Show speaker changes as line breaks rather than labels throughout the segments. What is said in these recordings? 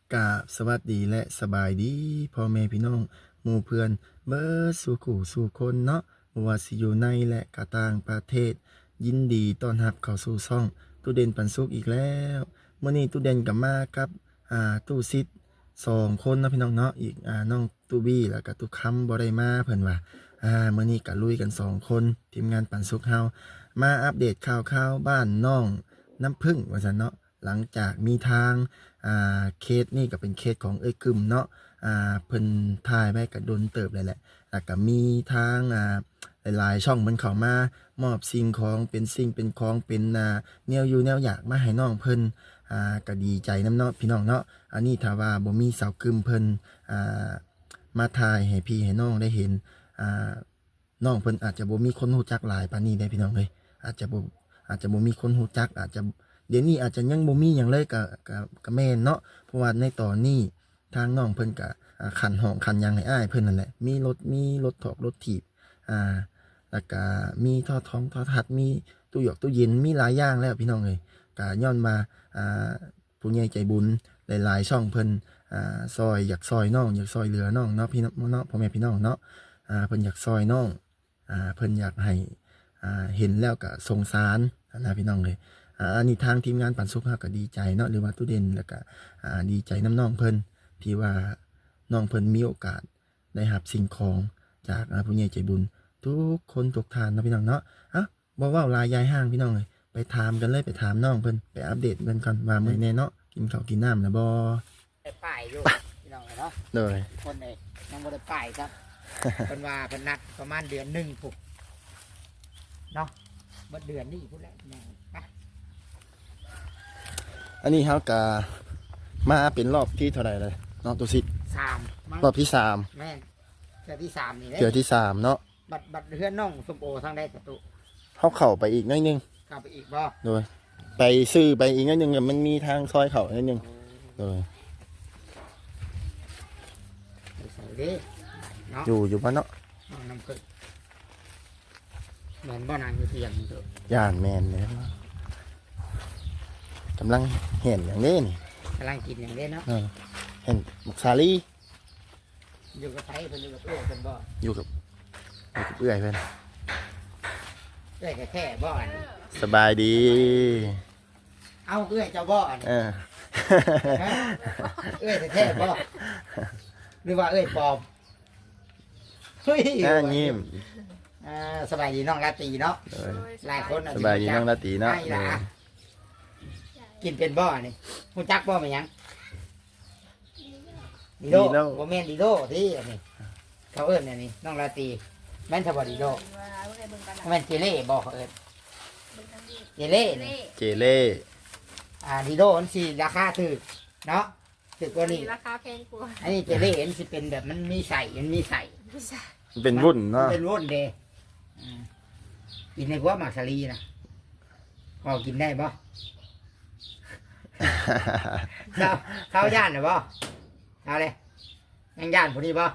กราบสวัสดีและสบายดีพ่อแม่พี่น้องหมู่เพื่อนเบิดสู่ขู่สู่คนเนาะบ่ว่าสิอยู่ในและก็ต่างประเทศยินดีต้อนรับเข้าสู่ช่องตู้เด่นปันสุขอีกแล้วมื้อนี้ตู้เด่นก็มากับตู้ซิด2 คนเนาะพี่น้องเนาะอีกน้องตู้บี้แล้วก็ตู้ค้ำบ่ได้มาเพิ่นว่ามื้อนี้ก็ลุยกัน2 คนทีมงานปันสุขเฮามาอัปเดตข่าวๆบ้านน้องน้ำผึ้งว่าซั่นเนาะหลังจากมีทางเคสนี่ก็เป็นเคสของกึมเนาะเพิ่นถ่ายไว้ก็โดนเติบเลยแหละแล้วก็มีทางหลายๆช่องมันเข้ามามอบสิ่งของเป็นสิ่งเป็นของเป็นแนวอยู่แนวอยากมาให้น้องเพิ่นก็ดีใจนำเนาะพี่น้องเนาะอันนี้ถ้าว่าบ่มีสาวกึมเพิ่นมาถ่ายให้พี่ให้น้องได้เห็นน้องเพิ่นอาจจะบ่มีคนรู้จักหลายปานนี้ได้พี่น้องเอ้ยอาจจะบ่มีคนรู้จักอาจจะเดี๋ยวนี้อาจจะยังบ่มีหยังเลยก็แม่นเนาะเพราะว่าในตอนนี้ทางน้องเพิ่นก็ขันห้องขันหยังให้อ้ายเพิ่นนั่นแหละมีรถถอกรถถีบแล้วก็มีท่อท้องท่อทัดมีตู้หยอกตู้เย็นมีหลายอย่างแล้วพี่น้องเอ้ยก็ย้อนมาผู้ใหญ่ใจบุญหลายๆช่องเพิ่นซอยอยากซอยน้องอยากซอยเหลือน้องเนาะพี่น้องเนาะพ่อแม่พี่น้องเนาะเพิ่นอยากซอยน้องเพิ่นอยากให้เห็นแล้วก็สงสารนะพี่น้องเลยอันนี้ทางทีมงานปันสุขก็ดีใจเนาะหรือว่าตู้เด่นแล้วก็ดีใจน้ำน้องเพิ่นที่ว่าน้องเพิ่นมีโอกาสได้รับสิ่งของจากผู้ใหญ่ใจบุญทุกคนทุกท่านนะพี่น้องเนาะบ่เว้าลายยายห้างพี่น้องเลยไปถามกันเลยไปถามน้องเพิ่นไปอัปเดตเพิ่นก่อนว่ามื้อนี้เนาะกินข้าวกินน้ำนะบ่
ได้ป้ายอยู่พี่น้องเนาะ
เลย
คนเลยยังบ่ได้ป้ายครับเพิ่นว่าเพิ่นนัดประมาณเดือน1ปุ๊บเนาะเบิดเดือนนี้พุ่นแหละพี่น้องไป
อันนี้เฮาก็มาเป็นรอบที่เท่าไหร่เลยน้องตุสิ
3
รอบที่3
แม่นเทื่อที่3นี่แหละ
เทื่อที่3เนาะ
บัดเฮือนน้องส้มโอทางใดประตู
เฮาเข้าไปอีกหน่อยนึง
เข้าไปอีกบ่
โดยไปซื้อไปอีกนิดนึงมันมีทางซอยเขานิดนึงโดย
ใส่ดิเนาะ
อยู่บ้านเนาะ
น้ำผึ้งเหมือนบ่นางอยู่เที่ยงนี่เด้
ย่านแมนเลยกำลังเห็นอย่างนี้นี่
กำลังกินอย่างนี้เนาะ
เห็นบุกซาลี
อยู่กับไผเพิ่นอยู่กับเอื้อยเพิ่นบ่
อยู่กับเอื้อยเพิ่น
เอื้อยแท้ๆบ่อัน
สบายดี
เอาเอื้อยเจ้าบ่อันเอื้อยแท้ๆบ่หรือว่าเอื้อยปลอมเฮ้ย
ยิ้ม
สบายดีน้องราตรีเนาะหลายคน
สบายดีน้องราตรีเนาะ
กินเป็นบ่อนี่คุณจักบ่อมันยังดีโดโมเมนดีโดที่อันนี้เขาเอิ้นอันนี้น้องราตรีแม่นทบดีโดแม่นเจเล่บ่เขาเอิ้นเจเล่
เจเล่
ดีโดมันสิราคาถูกเนาะถูกกว่านี้
ราคาแพงกว่า
อันนี้เจเล่มันสิเป็นแบบมันมีใส่
เป็นวุ่นเนาะ
เป็นวุ่นเด้กินในหัวหมากสลีนะพอกินได้บ่เขาย่านหรือบ่เขาเลยยังย่านพอดีบ่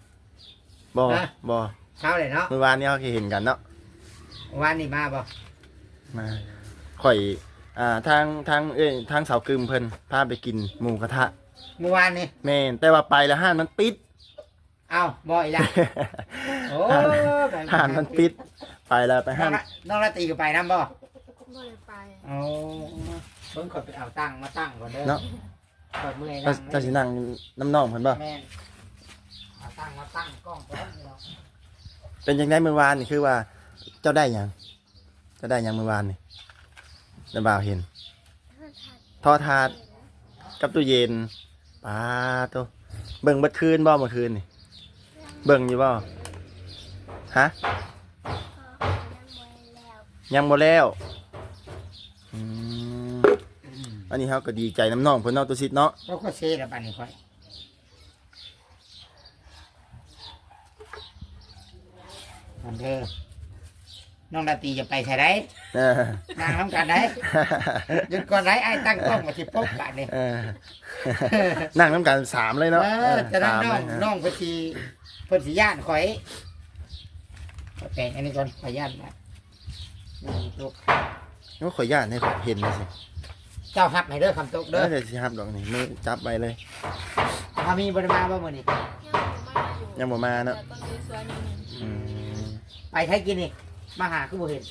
เขาเลยเนาะ
เมื่อวานนี้เขาเคยเห็นกันเนาะ
วันนี้มาบ่
มาข่อยทางเสากึมเพิ่นพาไปกินหมูกระทะ
เมื่อวานนี้
แม่นแต่ว่าไปแล้วห้านมันปิด
เอ้าบ่อีกแล้วโอ้
ห้านมันปิดไปแล้วไปห้าน
น้องราตรีก็ไปนำบ่
บ่ได้ไป
โอ้เพิ่นขอไปเอาตั้งมาตั้งก่อนเด้อ
เนาะ
ขอเมื่อย
จะสินั่งน้ำน้องเพิ่นบ่
แม่นเอาตั้งมาตั้งกล้องก่อนเนาะ
เป็นจังได๋เมื่อวานนี่คือว่าเจ้าได้หยังเมื่อวานนี่ได้บ่าวเห็นทอถาดกับตู้เย็นปาโตเบิ่งเบิดคืนบ่เมื่อคืนนี่เบิ่งอยู่บ่ฮะยังบ่แล้วอันนี้เขาก็ดีใจน้ำน้องเพิ่นเนาะตัวซิดเนาะ
ก็เซ่ละบัดนี้ค่อยอันเด้อน้องราตรีจะไปใช่ได้นางน้ำกันได้หยุดก่อนไรไอ้ตั้งกล้องมาสิปุ๊บกันนี่
นั่งน้ำกัน3เลยเนาะ
จะนั่งน้องเพิ่นสิย่านข่อยแต่งอันนี้ก่อนขอย่านนะ
ลูกข่อยย่านให้ข่อยเห็นเลยสิ
เจ้าหับให้เด้อคำตกเด้อ
เดี๋ยวสิฮับดอกนี่มือจับไปเลย
ถ้ามีบริมาบ่มื้อนี้
ยังบ่มาเนาะ
แต่ต้นสวยๆนี่
อืม
ไปใช้กินนี่มาหาคือบ่เห็น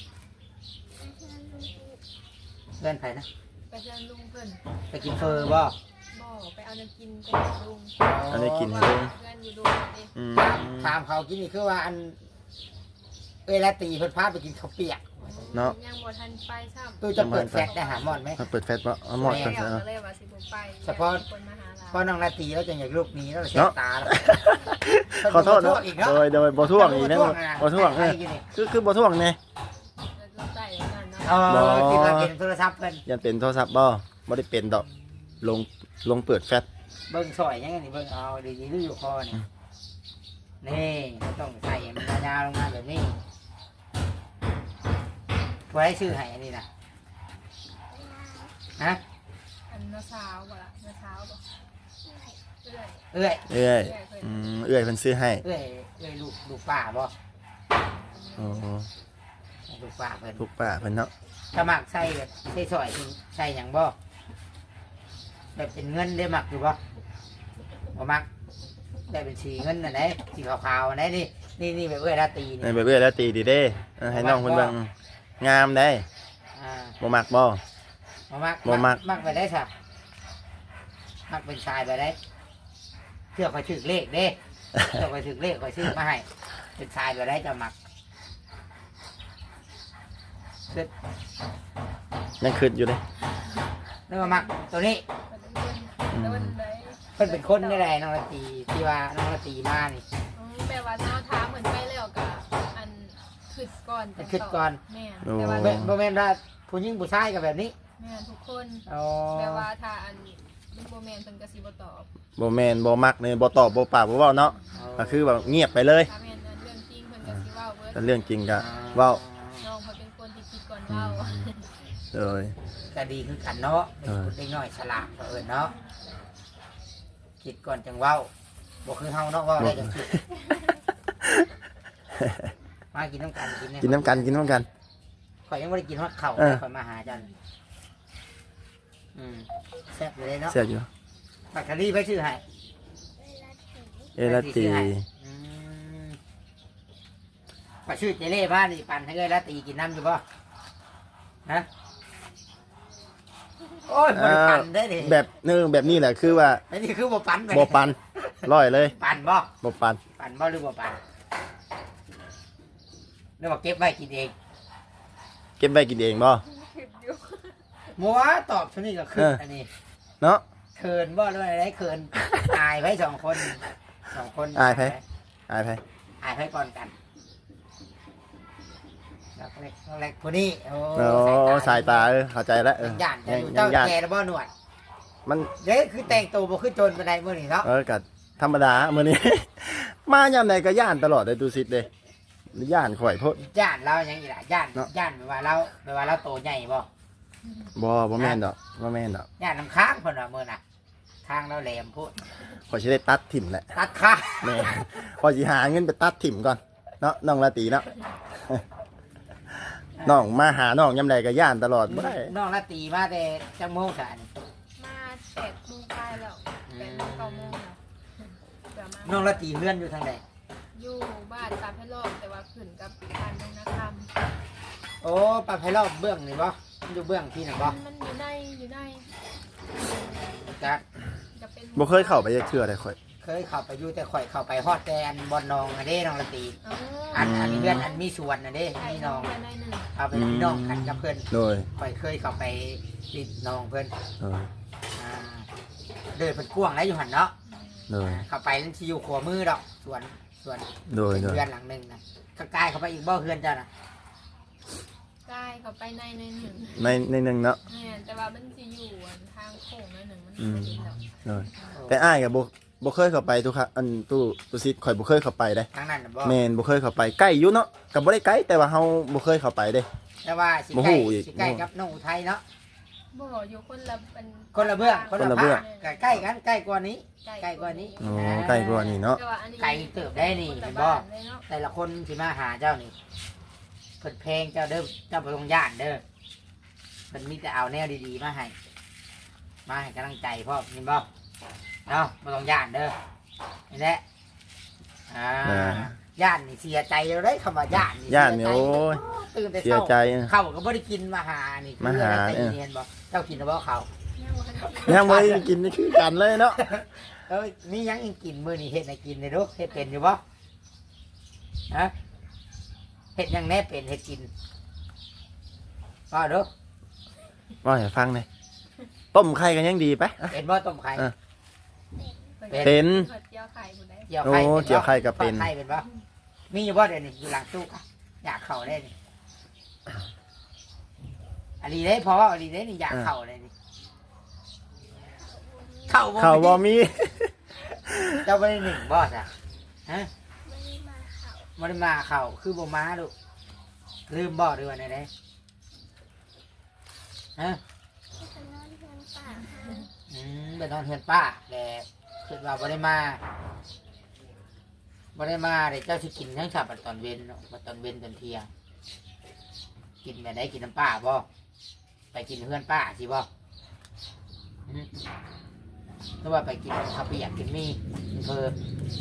เพื่อนไผนะ
ไปเชิญลุงเพิ่น
ไปกินเฟอร์บ่
บ่ไปเอาน้ำกินไปให้ลุง
อันนี้กินให้
เพื่
ลุง
อนอยู่ลุงเอง
อืม
ถามเขากินนี่คือว่าอันเวลาตีเพิ่นพาไปกินข้าวเปียก
เนาะ
ยังบ่ทันไปซ้ำ
ตู้จะเปิดแฟลชได้หาหมอนไหม
มาเปิดแฟลชบ่เอาหมอดก่อน
แล้
ซะ
ว
เนาะ
ก็เลยว่าสิบ่ไป
เฉพาะ
คนมาหาเรา
พอน้องราตรีแล้วจะอยากลูกหนี้แล้วเสีย
เนาะ
ตาแล้ว
ขอโทษเนาะ
อีกเนาะ
โดยบ่ท่วงอีกนะบ่ท่วง
ใครกินนี่
คือบ่ท่วงแน่
เราใส่นั่นเนาะ
กินแล้วกินโทรศัพท์เพิ่น
ยันเป็นโทรศัพท์บ่ได้เป็นดอกลงเปิดแฟลช
เบิ่งซอยยังไงนี่เบิ่งเอาดีๆดูอยู่คอนี่นี่ต้องใส่มันยาวๆลงมาแบบนี้ไว้ชื่อให้อันนี้นะฮะ
อันน้าสาวบ่ล่ะน้าสาวบ่เอื้อย
เอ้ย
เอื้อยเอื้อยเพิ่นซื้อให้
เอ้ยลูกป้าบ่
โอ้
ลูกป้าเพิ่น
ลูกป้าเพิ่นเนาะ
ถ้ามักใส่แบบใส่ซอยใส่หยังบ่แบบเป็นเงินได้มักอยู่บ่บ่มักได้เป็นสีเงินน่ะไหนสีขาวๆอันไหนนี่แบบเอ้ยราตรี
ใน
นี่
เบื่อแล้วตีดีเด้ให้น้องเพิ่นเบิ่งงามได้
อ่า
บ่มักบ่
บ่มัก
บ่มัก
มักไปได้สักมักเป็นชายไปได้เชื่อคอยถือเลขเด้เชื่อคอยถือเลขคอยซื้อมาให้เป็นชายไปได้จะมักคือ
ยังคิดอยู่เด้
นึกว่ามักตัวนี้
เพิ่นได้
เพิ่นเป็นคนได้ไรน้องละตีที่ว่าน้องละตีมานี่
แปลว่าเนาะถามเหมือนไปแล้วก็อันขึ้นก่อนแต่
ขึ้นก่อน
แม่น
โอ้
แต่ว่า
บ่แม่นว่าผู้หญิงผู้ชายกับแบบนี้
แม่นทุกคน
อ๋อ
แปลว่าถ้าอันบ่แม่นเพิ่นก็สิบ่ตอบ
บ่แม่นบ่มักเนี่ยบ่ตอบบ่ปากบ่เว้าเนาะก็คือแบบเงียบไปเลย
ถ้าแม่นอันเรื่องจริงเพิ่นก็สิเว้าเบิด
แต่เรื่องจริงก็เว้า
น้องเขาเป็นคนที่คิดก่อนเว้า
เลย
ก็ดีคือกันเนาะเด็กน้อยฉลาดเอิญเนาะคิดก่อนจังเว้าบ่คือเฮาเนาะเว้าได้จังคิดมากินน้ำกันกินเนี่ย
กินน้ำกัน
ข่อยยังไม่ได้กินฮอดข้าว
เออ
ข่อยมาหาจันแซ่บอยู่เลยเนาะ
เสียอยู่
ปักคารี่ไปชื่อให้
เอลาตี
อืมไปชื่อเจเล่บ้านนี่ปั่นให้เลยละตีกินน้ำอยู่ป่ะฮะโอ้ยบริปั่นได้ดิ
แบบแบบนี้แหละคือว่า
ไอ้นี่คือบ่ปั่นไป
บ่ปันร้อยเลย
ปั่นบ่
บ่ปัน
ปั่นบ่หรือบ่ปั่นหรือว่าเก็บไว้กินเอง
เก็บไว้กินเองบ่
มัวตอบชนี้ก็คืออันนี้
เนาะ
เขินบ่หรือว่าอะไรเขินอายไว้สองคน
อายไผ อายไผ
อายไผก่อนกันแล้วเล็กผู้นี้โอ้
โอ้สายตาเข้าใจแล้ว
ยังย่านจะอยู่
ยั
เจ้าง
ย่าน
แก่แล้วบ่หนวด
มัน
เด้คือแต่งตัวบ่คือโจรปานใดมื้อนี้เนาะ
ก็ธรรมดามื้อนี้ มายามใดก็ย่านตลอดเลยดูสิเด้ย่านข่อยโพด
ย่านเรายังอีหล่ะย่าน
เนาะ
ย่านแปลว่าเราโตใหญ่บ่
บ่แม่นดอกบ่แม่นดอก
ย่านน้ำค้างเพิ่นว่ามื้อน่ะทางเราแหลมพูด
ข่อยสิได้ตัดถิ่มแหละ
ตัดค้าง
แม่ข่อยสิหาเงินไปตัดถิ่มก่อนเนาะน้องลาตีเนาะ น้องมาหาน้องยามใดก็ย่านตลอดบ่ได้
น้องละตีมาแต่จังโมงซะนี่
มา8 โมงไปแล้ว8 โมง 9 โมงแล้วเดี๋ยวมา
น้องละตีเฮือนอยู่ทางใด
อยู่บ้านตามให้รอบแต่ว่าขึ้นกับบ้านน้องนาค
โอ้ปลาไพรอบเบื้องนี่บ่มันอยู่เบื้องที่นั่นบ่
ำมันอยู่ใน
จะ
จะเป็น
บ่เคยเข้าไปจักเทื่อเลยข่อย
เคยเข้าไปอยู่แต่ข่อยเข้าไปฮอดแต่อันบอนนองอันเด้น้องละตี
อ๋อ
อันนี้เพื่อนอันมีสวนอันเด้
ใช่
มี
น้
น้
อ
อง ง
กันได้หนึ่ง
เอาไปพี่น้องกันกับเพื่อน
โดย
ข่อยเคยเข้าไปติดน้องเพื่อน
โดย
อ่าเดินเพิ่นกว้างแล้วอยู่หันเนาะ
โดย
เข้าไปนั่นสิอยู่ขวามือดอกสวน
โดย
เป็น
โดย
เรือนหลังหนึงนะข้างกายเข้าไปอีกบ่เฮือนเจ้าน่ะ
ได้เขาไปในหนึ่ง
ในหนึงเนาะ
เนี่ยแต่ว่ามันจะอยู่อันทางโค้งในหนึ่งมัน
อืม
ไม่ได้ดอก
โดยแต่อ้ายก็บ่เคยเข้าไปทุกครั้งอันตู้ซิดข่อยบ่เคยเข้าไปเด้
ทางนั้นน่ะบ่
แม่นบ่เคยเข้าไปใกล้อยู่เนาะก็บ่ได้ไกลแต่ว่าเฮาบ่เคยเข้าไปเด้
แต่ว่าสิ
บ่
ใกล้
ฮู้อีก
สิใกล้กับน้องอุทัยเนาะ
บ่อยู่คนละเป็น
คนละเบื้องคนละ
คนละเบื้อง
ภาคใกล้กันใกล้กว่านี้ ใกล้กว่านี้
อ๋อใกล้กว่านี่เนาะ
แต่ว่าอันนี้
ไกลเติบได้นี่
ค
เห็
ละ
นบ่
บ้านเลยเนาะ
แต่ละคนสิมาหาเจ้านี่เพิ่นเพลงเจ้าเด้อเจ้าบ่ต้องย่านเด้อเพิ่นมีแต่เอาแนวดีๆมาให้มาให้กำลังใจพ่อยินบ่เนาะบ่ต้องย่านเด้อนี่แหละย่านนี่เสียใจเลยเด้คำว่าย่านนี่
ย่านนี่โอ้ย
ตื่นแต่
เสีย
เช้า
ใจ
ข้าวก็บ่ได้กินมาหานี่
มาหา
คืออะไรแต่เรียนบ่เจ้ากินหรือบ่ข้าว
ยังบ่ทันกิน
ยังบ่ได้กินนี่คือกันเลยเนาะ
มีหยังอีกกินมื้อนี้เฮ็ดให้กินได้เด้อเฮ็ดเป็นอยู่บ่ฮะเฮ็ดหยังแน่เป็นเฮ็ดกินก็เด้อ
ว่าให้ฟังหน่อยต้มไข่กันยังดีไปอ่ะ
เป็นบ่ต้มไข่
เป็น
เจียวไข่ผู้ใด
เจียว
โอ้
ไข่
เจียวไข่ก็เป็น
ทอดไข่เป็นบ่มีอยู่บ่เดี๋ยวนี้อยู่หลังตู้กะอยากเข้าได้นี่อันนี้ได้พออันนี้ได้นี่อยากเข้าเลยนี่เข้า
ข้าวบ่มี
เจ้าบ่ได้หนึ่งบ่ซะฮะ
ไม่ได้มาเขา
บ่ได้มาเข้าคือบ่มาลูกลืมบ่หรือว่าไดฮะ
ไปนอนเพื่อนป่าค่ะ
ไปนอนเฮือนป้าแต่คิดว่าบ่ได้มาเดี๋ยวเจ้าสิกินทั้งฉับตอนเว้นเนาะตอนเว้นตอนเที่ยงกินแบบไหนกินน้ำป้าบ่ไปกินเฮือนป้าสิบ่หรือว่าไปกินข้าวเปียกกินมีกินเพอ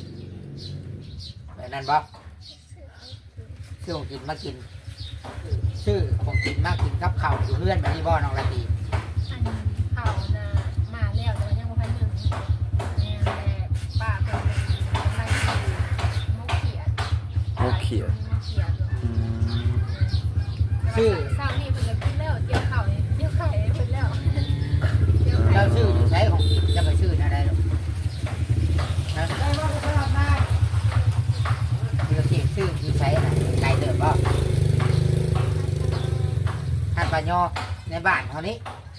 แบบนั้นบ่ซื้อของกินมากินซื้อของกินมากินกับข้าวอยู่เฮือนแบบนี้บ่น้องละตี
อันเขาน่ะมาแล้วแต่ว่ายังบ่ทันถึงแม่แม่ป้าเพิ่นไปมุกเขียด
มุกเขียด
มุกเขียดอยู่
อืม
ชื่อ
เช้านี้เพิ่นก็กินแล้วเจียวข้าวนี่เจียวไข่ให้เพิ่นแล้วเจียวไข่
เราชื่ออยู่ใช้ของกินจะไปชื่ออะไรหรอกนะคือเขียนชื่ออยู่ใช้อะไรไกลเติบบ่ท่านปะยอในบ้านเขานี้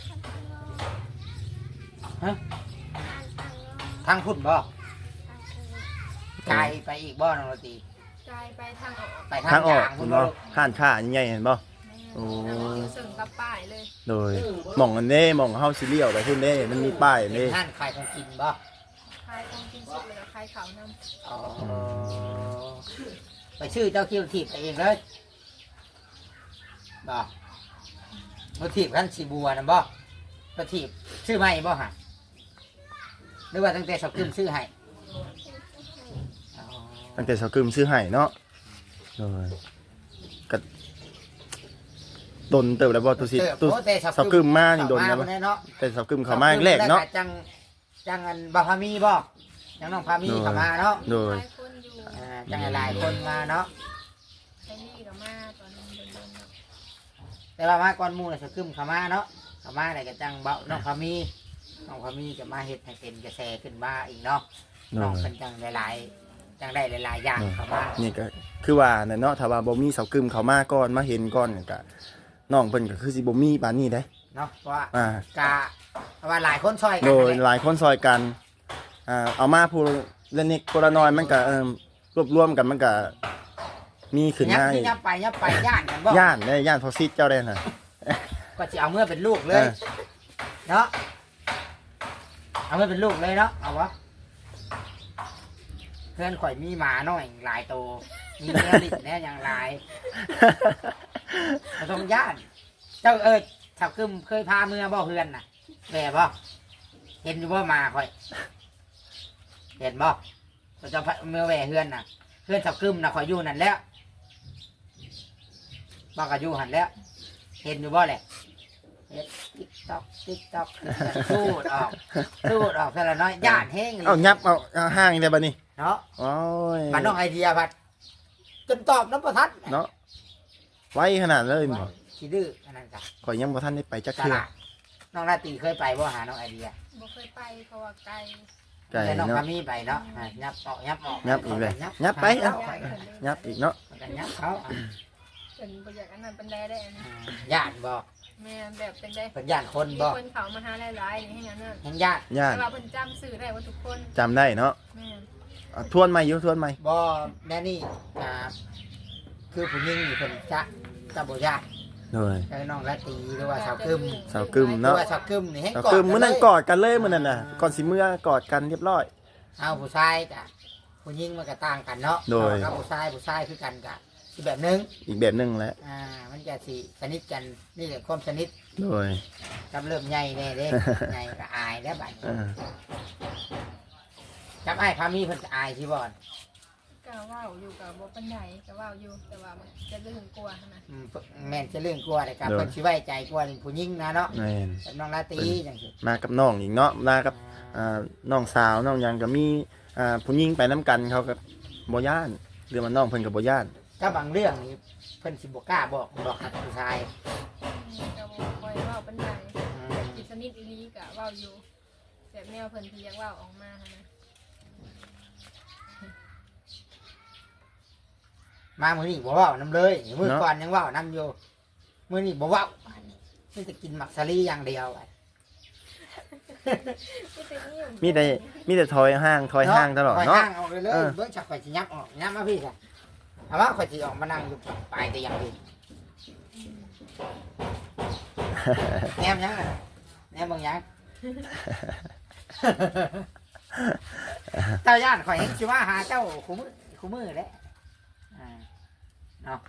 ทางพุ่นบ่ไกลไปอีกบ่น้องละตี
กลายไปทางออก
ไป
ทา
ทาง ง
ออก
ยาง
คุ
พุ่
ณ
น
บ่
บ่
ห้านค้าใหญ่เห็นบ่ โอ้
แล้วก็อยู่เสริมกับป้ายเลย
โดยหม่องอันนี้หม่องเฮาสิเลี้ยวไปพุ่นเด้มันมีป้าย
เป็
นี่
นท่านขายของกินบ่
คลายของกินสุกเลยก็คลายเขาวนำ
อ๋อไปชื่อเจ้าคิวถีบไปเองเลยบ่มาถีบขั้นสีบัวนะบ่มาถีบชื่อไม่บ่ฮะหรือว่าตั้งแต่สอบขึ้นชื่อให้อ๋อ
ตั้งแต่เช้ากึมซื้อให้เนาะโดยก็ดนเติบแล้วบ่ตุสิตุ
โอ้แต่
เช้ากึมมานี่ดน
เข้
แล้วบ่
มาเนาะ
แต่เช้ากึมเข้ามาแรกเนาะ
แล้วจังอันบาพามีบ่จังน้องพามีเข้ามาเนาะ
โด
ห
ย
ลายคนอยู่
จังหลายคนมาเนาะ
ไอ้นี่ก็มาตอนนั้นเดินๆเนาะ
แต่ว่ามาก่อนหมู่น่ะสอบขึ้นเข้ามาเนาะเข้ามาได้ก็จังเบาน้องพามีจะมาเฮ็ดให้เป็นกระแสขึ้นมาอีกเนาะ
โด
น้อง
ย
เป็นจังหลายๆจังได้หลายๆอย่างเข้ามา
นี่ก็คือว่าน่ะเนาะถ้าว่าบ่มีเช้ากึมเข้ามาก่อนมาเห็นก่อนก็น้องเพิ่นก็คือสิบ่มีปานนี้เด้
เนาะเพราะว่า
อ่า
กะว่าหลายคนช่วยกั
โดย
นั่นแหละ
หลายคนซอยกันเอามาผู้ละนิดผู้ละน้อยมันก็รวบรวมกันมันก็มีขึ้น
ยับ
มา
ที่ยับไปย่านกันบ่
ย่านได้ย่านพอซิดเจ้าได้น่ะ
ก็จะเอาเมื่อเป็นลูกเลย
เออ
เนาะเอาเมื่อเป็นลูกเลยเนาะเอาวะเพื่อนข่อยมีหมาน้อยหลายตัวมีเนื้อลิ้นแน่อย่างหลายมาตรงย่าน เจ้าชาวกึมเคยพาเมื่อบ่เพื่อนน่ะแม่บ่เห็นอยู่บ่มาข่อย เห็นบ่เราจะเมื่อแหวเพื่อนน่ะ เพื่อนชาวกึมน่ะข่อยอยู่นั่นแล้วบ่ก็อยู่หันแล้ว เห็นอยู่บ่แหละเฮ็ดติ๊กต๊อกสูดออกแต่ละน้อยย่านแห้งเลย
เอายับเอาห้างได้บัดนี้
เนาะ
โอ้ย
มันน้องไอเดียพัดจนตอบน้ำประทัด
เนาะไว้ขนาดเลยบ่
ขี้ดื้ออันนั้นจ้ะ
ข่อยยังบ่ทันได้ไปจัก
ต
เทื่อ
ลาดน้องราตรีเคยไปบ่หาน้องไอเดีย
บ่เคยไปเพราะว่าไกล
ไก่
แต่น้อง
เนาะ
พามีไปเนาะยับออก
ยับอีกเลยยับไป
เอา
ยับอีกเนาะ
กันยับเขา
เป็นบ่อยากอันนั้นเป็นได้ได้อันนี้
ย่านบ่
แม่แบบเป็นได้
เป็นย่านคน
มี
บ่
คนเขามาหาหลายๆนี่ให้งั้นน่ะ
แห่งย่าน
ย่าน
แต่ว่าเพิ่นจำสื่อได้ว่าทุกคน
จำได้เนาะ
แม่
ทวนใหม่อยู่ทวนใหม่
บ่แน่นี่คือผู้หญิงอยู่คนจะบ่ย่าน
โดย
คือน้องราตรีหรือว่าสาวกึม
สาวกึม
หรือ
เนาะ
ว่าสาวกึมนี่ให้
ก็
กอด
คือมื้อนั้นก
กั
อดกันเลยมื้อนั้นน่ะก่อนสิมื้อกอดกันเรียบร้อย
เอาผู้ชายกะผู้หญิงมันก็ต่างกันเนาะ
โดย
กับผู้ชายคือกันกะอีกแบบหนึง
อีกแบบหนึงแหละ
มันจะสิสนิทกันนี่แหละความสนิท
โดย
กับเริ่มใหญ่แน่เด้ ใหญ่ก็อายแล้วบัดนี้
อ่า
กับอ้ายพามีเพิ่นก็อายสิบ่อน
ก็เว้าอยู่กับบ่ปานใดก็เว้าอยู่แต่ว่ามันจะเรื่องกลัวนะ
แม่นจะเรื่องกลัวแต่กับเพิ่นสิไว้ใจกลัวนี่ผู้หญิงนะเนาะ
แม่น
กับน้องลาตรีจังซี่
มากับน้องอีกเนาะมากับน้องสาวน้องหยังก็มีผู้หญิงไปนํกันเขาก็บ่ย่านหรือว่าน้องเพิ่นก็บ่ย่าน
ก็บางเรื่องนี่เพิ่นสิบ่กล้าบอกกับผู้ชาย
ก็บ่ค่อยเว้าปานใดกินสนิทอีหลีก็เว้าอยู่แบบแนวเพิ่นที่อยากเว้าออกมาหั้นนะ
มามื้อนี้บ่เว้านํเลยมื้อก่อนยังเว้านํอยู่มื้อนี้บ่เว้ามีแต่กินหมักสลีอย่างเดียวอะ
มีแต่ถอยห่างตลอด
ถอย
เนาะ
ห่างออกเลยเบิ่งจักข่อยสิยับออกยับมาพี่จ้ะเอาว่าข่อยสิออกมานั่งอยู่ปลายเตียงพี่แนมยังอะแนมเบิ่งยัง เจ้าย่านข่อยเห็นสิว่าหาเจ้าคู่มือแหละเนาะ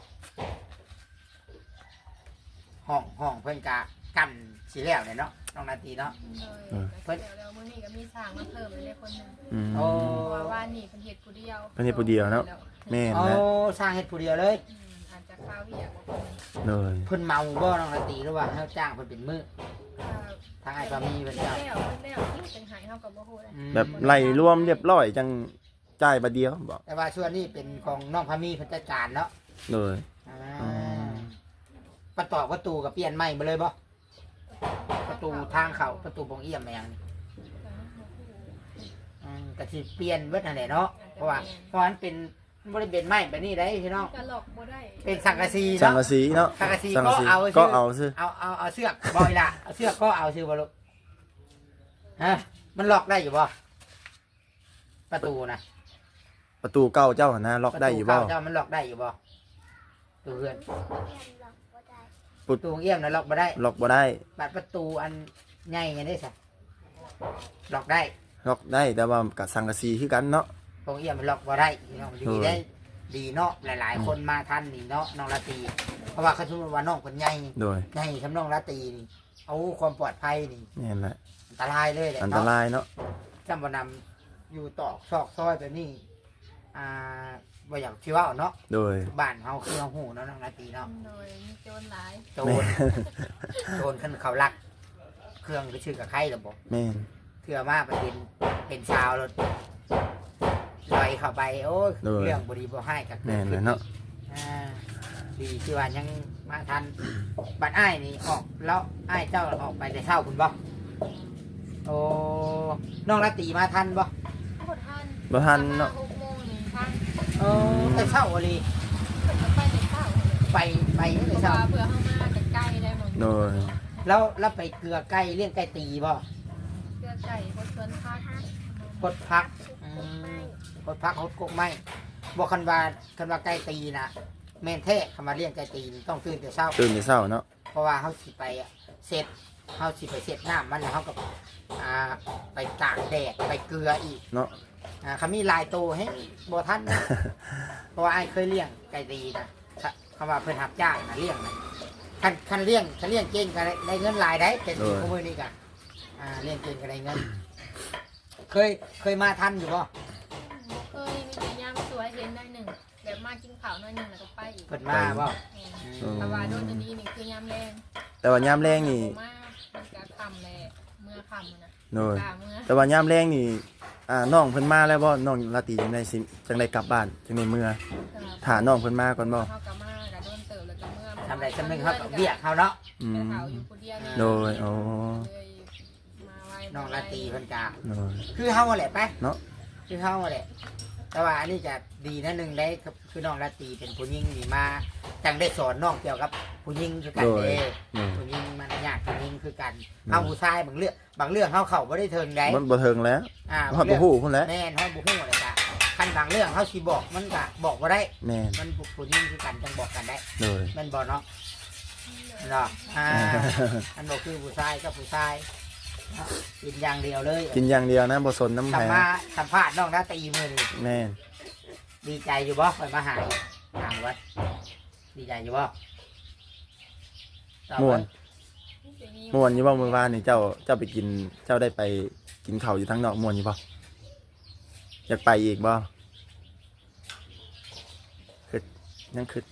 ห้องเพิ่นกะกันสิแล้วเนี่ยเนาะน้องนาทีเนาะ
เพิ่นแล้วมื้อนี้ก็มีสร้างมาเพิ่มเลยคนหนึง
อืม
โอ้
เพราะว่าบ้านนี่เพิ่นเฮ็ดผู้เดียว
เพิ่นเฮ็ดผู้เดียวเนาะ แม่น
โอ้
แหละ
สร้างเฮ็ดผู้เดียวเลย
อาจจะข้าวเวียกบ่เพิ่น
เลย
เพิ่นเมาบ่น้องนาทีหรือว่าเฮาจ้างเพิ่นเป็นมื้อ
อ่า
ทางไอ้บะหมี่เพิ่นจ้าง
แล้วจังหายเฮาก็บ่ฮู้เลย
แบบไล่รวมเรียบร้อยจังจ่ายบัดเดียวบอก
แต่ว่าส่วนนี้เป็นของน้องพามีเพิ่นจัดการเนาะ
เลย
ประตูก็เปลี่ยนใหม่ไปเลยบ่ประตูทางเข้าประตูบงเอี่ยมแม่งก็สิเปลี่ยนเบิดนั่นแหละเนาะเพราะว่ามันเป็นมันบ่ได้เป็นไม้แบบนี้ได้พี่น้อง
ก็หลอกบ่ได้
เป็นสังกะสี
สัง
เนาะ
กะสีเนาะ
สังกะสี
สัง
ก็
กะสี
เอา
ก็
ชื่อ
เอาซื้อ
เอาเสือกบ่อยล่ะเอาเสือกก็เอาชื่อบ่ลูกฮะมันล็อกได้อยู่บ่ประตูนะ
ประตูเก้าเจ้าหั่นนะล็อกได้อยู่บ่
ประตูเข้าเจ้ามันล็อกได้อยู่บ่ตู้เพื่อนประตูเอี่ยมนะล็อกบ่ได้
ล็อกบ่ได้
บัดประตูอันใหญ่ยังได้ซะล็อกได้
ล็อกได้แต่ว่ากับสังกะสีคือกันเนาะ
ตรงเอี่ยมมันล็อกบ่ได้พี่น้องดีได้ดีเนาะหลายๆคนมาทันนี่เนาะน้องราตรีเพราะว่าเขาสมมติว่าน้องคนใหญ่
โดย
ใหญ่ทำน้องราตรีนี่เอาความปลอดภัยนี่
นี่นแหละ
อันตรายเลยแหละ
อันต
เนาะ
รายเนาะ
จำบ่นำอยู่ตอกซอกซอยแบบนี้บ่อยากที่ว่าเนาะ
โดย
บ้านเฮาคือเฮาหูเนาะน้องราตรีเนาะ
โดยมีโจรหลาย
โจรโจรขึ้นเขาลัก เครื่องไปชื่อกับใครล่ะบ่
แม่น
เถื่อมาไปเป็นชาวรถลอยเข้าไปโอ้ยเรื่องบ่ดีบ่ให้กับ
แม่นเลยเนาะ
ดีที่ว่ายังมาทันบัดอ้ายนี่ออกแล้วอ้ายเจ้าออกไปแต่เช้าคุณบ่โอ้น้องรัตตีมาทันบ่
บ่ทัน
บ่ทันเนาะ
6โมงนี่ทัน
โอ้แต่เช้าอลี
เพิ่นก็ไปแต่เช้า
ไป
เพ
แต่
ราะ
เช้า
ว่าเพื่อเฮามาใกล้ๆได้หมด
โดย
แล้วไปเกลือไก่เลี้ยงไก่ตีบ่
เพื่อไก่บ่ชวนพัก
พดพักพดพักพดกกไม้บ่คันว่าไก่ตีน่ะแม่นแท้คำว่าเลี้ยงไก่ตีนี่ต้องตื่นแต่เช้า
ตื่นแต่เช้าเนาะ
เพราะว่าเขาสิไปเสร็จเขาสิไปเสร็จน้ำมันแล้วเขาก็ไปตากแดดไปเกลืออีก
เนาะ
เขามีลายโตให้บ่ท่านนะ เพราะว่าไอ้เคยเลี้ยงไก่ตีนะคำว่าเพิ่นหับจ้างนะเลี้ยงนะคันเลี้ยงเก่งก็ได้เงินหลายได้เป็นข้อมือนี่กันเลี้ยงเก่งก็ได้เงิน เคยมาทันอยู่ป่ะ
เคยมีแต่ยามสวยเห็นได้หนึ่งแบบมากินข้าวน้อยหนึงแล้วก็ไปอีก
เพิ่นมาป่ะ
แต่ว่าโดนตัวนี้นี่คือยามแรง
แต่ว่ายามแรงนี่
มามันก็ค่ำแลเมื่อค่ำนะ
โดย
กลางเมื่อ
แต่ว่ายามแรงนี่น้องเพิ่นมาแล้วบ่น้องลาตรีจังได๋สิจังได๋กลับบ้านจังได๋เมื่อถ้าน้องเพิ่นมาก่อนบ่
เขาก็มาก็โดนเติบแล้วก็เมื่อ
ทำไรจำหนึ่งเขากับเบี้ยเขาเนาะ
อื
ไป
ม
เผาอยู่คนเดียวนี่
โดยอ๋อ
เลยมาไว้
น้องราตรีเพิ่นกา
โดย
คือเฮาแหละไป
เนาะ
คือเฮาแหละ แต่ว่าอันนี้จะดีนะหนึ่งได้คือน้องราตรีเป็นผู้หญิงนี่มาจังได้สอนน้องเกี่ยวกับผู้หญิงคือกัน
โดย
เด้
โดย
ผู้หญิงมันยากผู้หญิงคือกันเฮาผู้ชายบางเรื่องเฮาเข้าบ่ได้เทิงได้
มันบ่เทิงแล้ว
บา
ฮอด
ง
บ่
เรื่อง
ฮู้พุ่นแหล้ว
แม่นเฮาบ่ฮู้เลยจ้ะคันบางเรื่องเฮาสิบอกมันก็บอกบ่ได้
แม่น
มันผู้หญิงคือกันจังบอกกันได้
โดย
แม่นบ่เนาะเนาะอันบ่คือผู้ชายกับผู้ชายเนาะกินอย่างเดียวเลย
กินอย่างเดียวนะบ่สนน้ำ
สั
แพ้
มภาษณ์น้องราตรีมื้อนี้
แม่น
ดีใจอยู่บ่ไปมาหาถามว่าดีใจอยู่บ่ตอบ
ม่ว
ว่าน
ม่วนอยู่บ่มื้อวานนี่เจ้าไปกินเจ้าได้ไปกินข้าวอยู่ทางนอกม่วนอยู่บ่อยากไปอีกบ่ยังคือ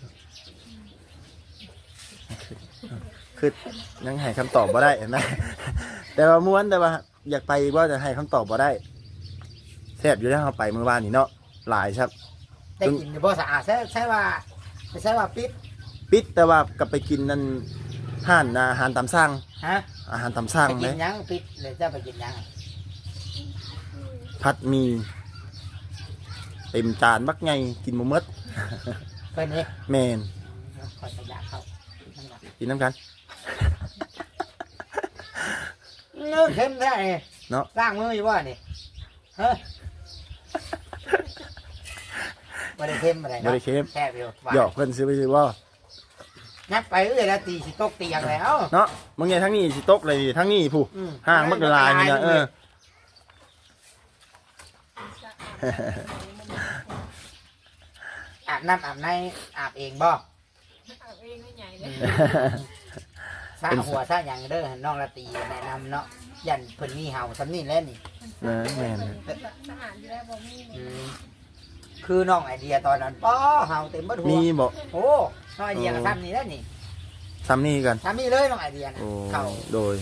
ยังให้คำตอบบ่ได้เห็นไหม แต่ว่าม่วนแต่ว่าอยากไปอีกว่าจะให้คำตอบบ่ได้แซ่บอยู่แล้วเราไปมื้อวานนี่เนาะหลายครับ
ได้กินอยู่บ่สะอาดใช่ว่าปิด
แต่ว่ากลับไปกินนั่นห้านอาหารตามสั่ง
ฮะ
อาหารตามสั่ง
ไปกิ
เล
น
ย
หยังปิดเลยจะไปกินหยัง
ผัดหมีเต็มจานบักไงกินบ่หมด
เพิ่นนี่
แม่น
คอยอยากเข้านั่นก่อน
กินน้ำกัน
เลิกเข้มได้นี่
เนาะ
ล้างมืออยู่บ่นี่เฮ้ยบ่ได้เข้มอะไร
บ่
เนาะ
ได้เค็ม
แซ่บอยู่หวาน
หยอกเพิ่นซื้อไปซื้อบ่
นับไปเรื่อยแล้วตีสิตกเตียงแล้ว
เนาะมึงไงทั้งนี้สิตกเลยทั้งนี้ผู้
อืม
ห่างมันก็ลายนี่นะเออ
อาบน้ำอาบในอาบเองบ่
เอาเองไม่ใหญ่เลย
ซาหัวซาหยังเด้อน้องละตีแนะนำเนาะยันเพิ่นมีเห่าซำนี่แหล้วนี่
แม่น
สะอาดอยู่แล้วบ่มี
อืมคือน้องไอเดียตอนนั้นป้อเห่าเต็มเบัดหัว
มีบ่
โอ้น้องไอเดียก็ทำนี่แล้วนี่
ซ้ำนี่กัน
ทำนี่เลยน้องไอเดียนะ
โอ้
เขา
โดย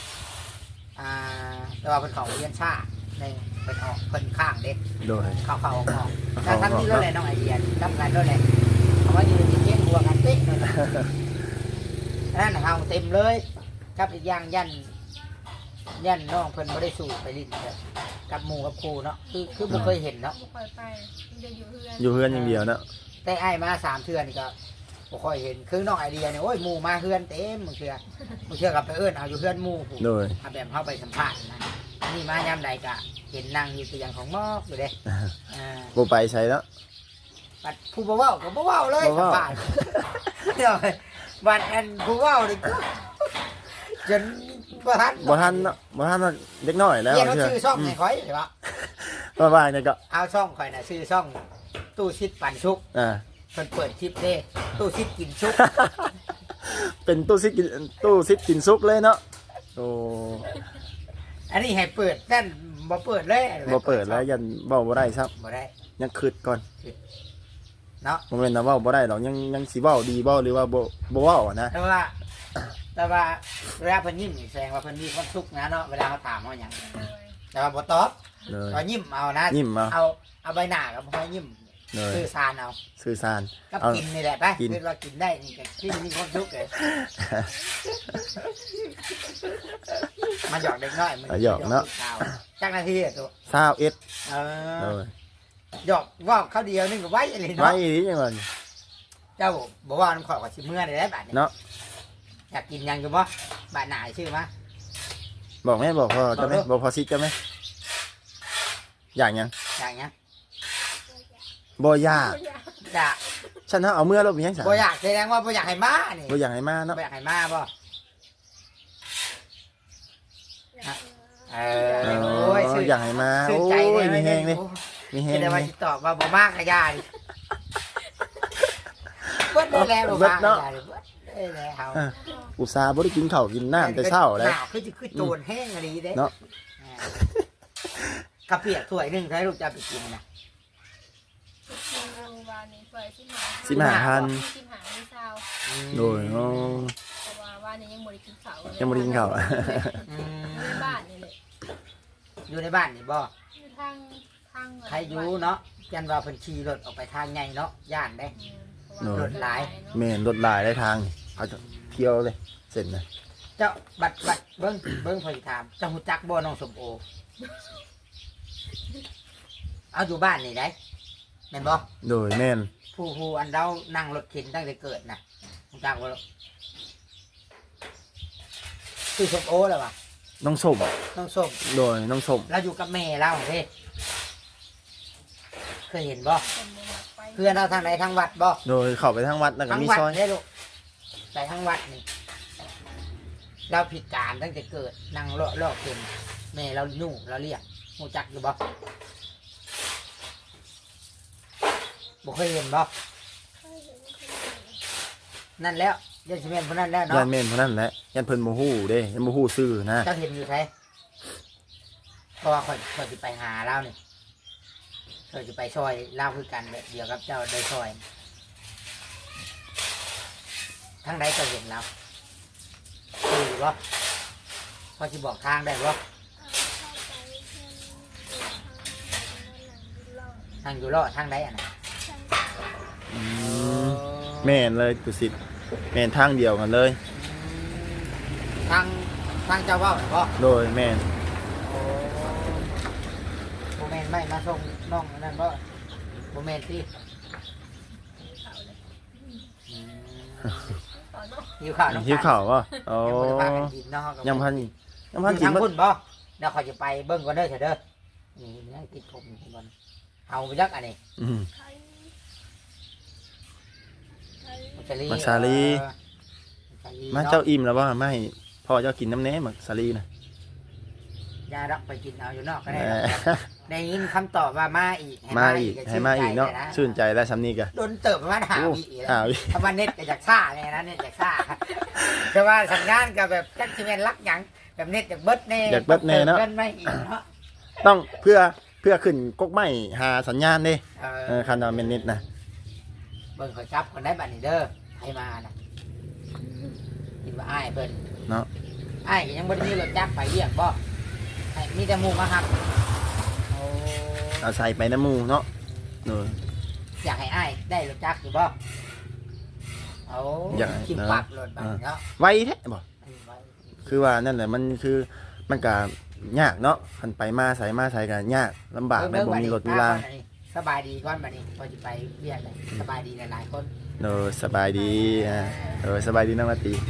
แต่ว่าเพิ่นเขาเรียนชาในเพิ่นออกเพิ่นข้างเด็ก
โดย
เขาออกแต่ทำนี่แล้วแหละน้องไอเดียทำงานแล้วแหละเอาว่าอยู่ในเกมบัวกันเป๊ะเลยนะนั่นเห่าเต็มเลยกับอีกอย่างยันน้องเพิ่นไม่ได้สูบไปลิ้นเลยกับหมู่กับครูเนาะคือบ่เคยเห็นเนาะ
บ่ค่อยไปมันจะอยู่เฮือน
อยู่เฮือนอย่างเดียวเนาะ
แต่ไอ้มา3 เทื่อนี่ก็บ่ค่อยเห็นคือน้องไอเดียเนี่ยโอ้ยหมู่มาเฮือนเต็มบางเทื่อกับไปเอิ้นเอาอยู่เฮือนหมู่ผู้
โดย
เอาแบบเข้าไปสัมภาษณ์นะอันนี่มายามใดก็เห็นนั่งอยู่ตัวอย่างของมอกอยู่เด้
บ่ไปใช้แล้ว
บัดผู้บ่เว้าก็บ่เว้าเลย
บ่
สัม
เว้า
ภาษณ์เดี๋ยวบัดอันผู้เว้านี่จนบ่ทัน
บ่ทันเนาะบ่ทันเด็กน้อยแล้ว
เรียกเขา
เชื่อ
ชื่อช่องให้ข่อยใช่ปะ
ว่าว่าเนี่ยก็
เอาช่องข่อยน่ะชื่อช่องตู้ชิดปันชุก
อ่า
เพิ่นเปิดคลิปเด้ตู้ชิดกินชุก
เป็นตู้ซิดกินซุกเลยเนาะโอ้
อันนี้ให้เปิดนั่นบ่เปิดเลย
บ่เปิดแล้วยันเว้าบ่ได้ครับ
บ่ได้
ยังคิดก่อน
เนาะ
บ่แม่นว่าเว้าบ่ได้หรอกยังสิเว้าดีบ่หรือว่าบ่เว้าอะนะ
แต่ว่าเวลาเพิ่นยิ้มนี่แสดงว่าเพิ่นมีความสุขนะเนาะเวลาเขาถามว่าหยัง
เลย
แต่ว่าบ่ตอบ
เลย
ก็ยิ้มเอานะ
ยิ้มเอา
เอาใบหน้ากับบ่ยิ้ม
เลย
สื่อสารเอา
สื่อสาร
กับ
เอา
กินนี่แหละไป
กิน
คือว่ากินได้นี่ก็กินมีความสุขเลยมาหยอกเด็กน้อยมัน
หยอกเนาะ
จักนาทีอะตัว
21
เอ
เล
อย หยอกว่าเขาเดียวนึงก็ไว้อะไร
ไว้
เนาะ
อีหลีจังว่า
เจ้าบอกว่าน้ำขอกับชิเมื่อได้แล้วบาดนี้
เนาะ
อยากกินยังอยู่บ่บาดหนาชื่อมา
บอกแม่บอกพ่อจะไหม
บอกเด้อ
บอกพ่อซิจะไหมอย่างยัง
อย่างเงี้ย
บ่อยาก
อยาก
ฉันถ้าเอาเมื่อเราเป็นยังไง
บ่อยากแสดงว่าบ่อยากให้มานี่
บ่อยากให้มาเนาะ
บ่อยากให้มาบ่เออ
อ๋
โอ้ย
อ
ชื่อ
อยากให้มา
ชื่อ
โอ้
ใจ
ย
ได้
มี
ไห
แห้งเลยมีแห้ง
แต่
เล
ว่าย สิตอบว่าบ่มากก็ยาดิเบิดได้แล้วบ่มากก็ยาดิเบิดได้แล้ว
อ่ะอุตส่าห์บ่ได้กินข้าวกินน้ำแต่เช้าเลย
หนาวคือโจรแห้งอะไรเด้
เนาะ
กระเปียกถ้วยหนึงใช้ลูกจะไปกินนะ
วานนี้เปิด15,000
15,000
15,000ไม่เศร้า
โดยอ๋อ
เพราะว่าวันนี้ยังบ่ได้กินข้าวเลย
ยังบ่ได้กินข้าว
อืม
ในบ้านนี่แหละ
อยู่ในบ้านนี่บ่
อยู่ทาง
ใครอยู่เนาะยันว่าเพิ่นขี่รถออกไปทางใหญ่เนาะย่านได้ รถหลาย
แม่นรถหลายได้ทางนี่เขาจะเที่ยวเลยเสร็จนะ
เจ้าบัดเบิ่งเพิ่นถามเจ้าฮู้จักบ่น้องสมโอเอาอยู่บ้านนี่ได้แม่นบ่
โดยแม่น
ผู้อันเรานั่งรถเข็นตั้งแต่เกิดน่ะฮู้จักบ่คือสมโอแล้วว่ะ
น้องสม
น้องส้ม
โดยน้องสม
เราอยู่กับแม่เราเด้เคยเห็นบ่
คนบ่มักไป
เพื่อนเราทางไหนทางวัดบ่
โดยเข้าไปทางวัดแล้วก็
ทาง
มี
วัด
ซอย
ได้ลูกไปทางวัดนี่เราผิดการตั้งแต่เกิดนั่งเลาะเป็นแม่เราหนุ่เราเรียกหูจักอยู่บ่บ่เคยเห็นบ่
เคย
นั่นแล้วยันซีเมนต์พวกนั้นแล้วเนาะ
ยันแม่นเพราะนั้นแหละยันเพิ่นบ่ฮู้เด้ยันบ่ฮู้ชื่อนะ
เจ้าเห็นอยู่ไทยเพราะว่าข่อยจะไปหาเล่านี่ข่อยจะไปซอยเล่าคือกันแบบเดียวกับเจ้าได้ซอยทั้งใดเจ้าเห็นแล้วคือบ่พอจะบอกทางได้บ่ทางอยู่รอดทางใดอ่ะนะ
อืมแม่นเลยตุสิทธิ์แม่นทางเดียวกันเลย
ทางเจ้าเว่าบ่
โดยแม่น
โอ้โบแมนไม่มาส่งน้องนั่นบ่โบแมนสิ
เขาเลย
อืม
ต่อเนาะ
หิวข้าวน้อง
หิวข้าวบ่โอ้
ยังบ่ได้พากันกินเนาะ
ยังพัน
อยู่
กิน
ทาง
บ่
พุ่นบ่เดี๋ยวเขาจะไปเบิ่งก่อนเด้อเถอะเด้อนี่ยังติดผมอยู่ก่อนเอาไปยักอันนี้
อืม
ไทยไทย
มักซาลี
มักซาลี
มักซาลี
มา
เนาะ
เจ้าอิ่มแล้วบ่มาให้พ่อเจ้ากินน้ำแหน่หมักสาลีน่ะ
ยาดักไปกินเอาอยู่นอกก็ได้
แหม
ได้ยินคำตอบว่ามาอีก
มาอีกให้มาอีกเนาะชื่นใจแล้วสำนี้ก็
โดนเติบประมาณหา
โอ้
วีอีก
หา
แล้ว
วิ
คำว่าเน็ตก็จากซ่าเลยนะเน็ตจากซ่า แต่ว่าสัญญาณกับแบบจักซีเมนรักหยังแบบเน็ตจากเบิดแน่
อยากเบิดแน่เนาะ
เงินไม่อีกเนาะ
ต้องเพื่อขึ้นกกไม้หาสัญญาณเด้
เออ
คันว่าแม่นนิดนะ
เบิ่งเขาจับคนได้บัตรนี่เด้อให้มานะคิดว่าอ้ายเพิ่น
เนาะ
อ้ายก็ยังบ่ได้มีรถจักรไปเรียกบ่ให้มีแต่หมู่มาครับโอ้
เอาใส่ไปน้ำหมูเนาะโดย
อยากให้อ้ายได้รถจักรอยู่บ่โอ้
อยากให้
คิดปักรถบัตรเนาะ
ไวแท้บ่คือว่านั่นแหละมันคือมันก็ยากเนาะคันไปมาใส่ก็ยากลำบากแม่นบ่มีรถมีราง
สบายดีก่อนบัดนี้พอจะไปเรียกเลยสบายดีหลายๆคน
โดยสบายดีสบายดีน้องละตี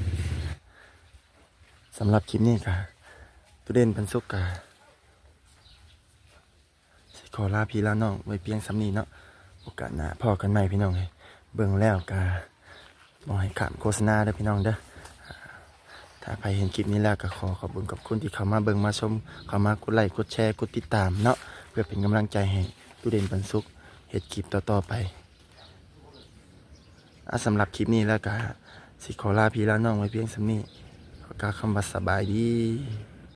สำหรับคลิปนี้ก็ตุเด่นปันสุกกะสิขอลาพี่ลาน้องไว้เพียงสำนีเนาะโอกาสหน้าพอกันใหม่พี่น้องเลยเบิ่งแล้วกะบ่ให้ขามโฆษณาเด้อพี่น้องเด้อถ้าใครเห็นคลิปนี้แล้วก็ขอบคุณกับคุณที่เข้ามาเบิ่งมาชมเข้ามากดไลค์กดแชร์กดติดตามเนาะเพื่อเป็นกำลังใจให้ตุเด่นปันสุกเฮ็ดคลิปต่อๆไปสำหรับคลิปนี้แล้วก็สิขอลาพี่ลาน้องไว้เพียงสำนี้ขอกล่าวคำว่าสบายดี